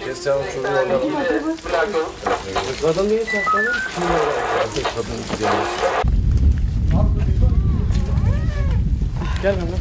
Geçen çocuğu orada. Kadın niye saklanır? Kadın gidiyormuş. Gel benimle.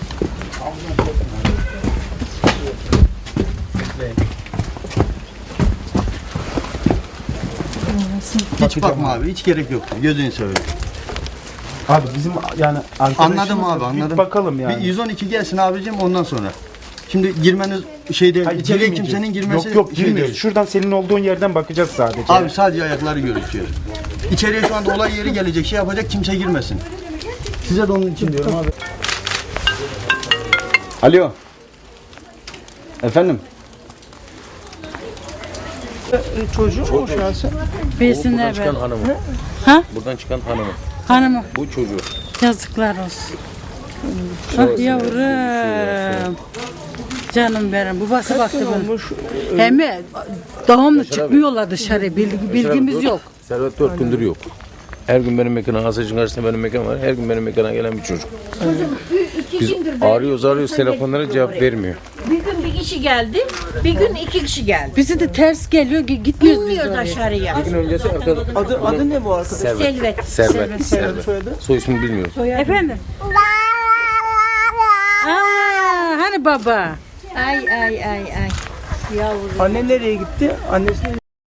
Hiç bakma abi, hiç gerek yok. Gözünü seveyim. Abi bizim yani Anladım abi, anladım. Bir bakalım yani. Bir 112 gelsin abicim ondan sonra. Şimdi girmeniz şeyde, Hayır, içeriye girmeyeceğiz. kimsenin girmesi Yok şey girmiyoruz. değil. Şuradan senin olduğun yerden bakacağız sadece. Abi sadece ayakları gözüküyor. İçeriye şu anda olay yeri gelecek, şey yapacak, kimse girmesin. Size de onun için diyorum abi. Alo. Efendim? Çocuğu mu şu an sen? Bilsinler Buradan ben. çıkan hanımı. Ha? Buradan çıkan hanımı. Hanımı Bu çocuğu. yazıklar olsun. Ah yavrum. Canım benim. Babası baktı bana. Hem doğumlu çıkmıyorlar dışarı. Bilgimiz yok. Servet 4 gündür yok. Her gün benim mekana, Asacın karşısında benim mekan var. Her gün benim mekana gelen bir çocuk. Biz arıyoruz telefonlara cevap vermiyor. Bir gün bir kişi geldi, bir gün iki kişi geldi. Bizi de ters geliyor. Gitmiyoruz biz Bilmiyoruz oraya. aşağıya. Bir gün öncesi Adı ne bu arkadaş? Selvet. Servet. Soyadı? Soy ismini bilmiyoruz. Efendim? Aa, hani baba? Ay ay ay ay. Yavrum. Anne nereye gitti? Annesi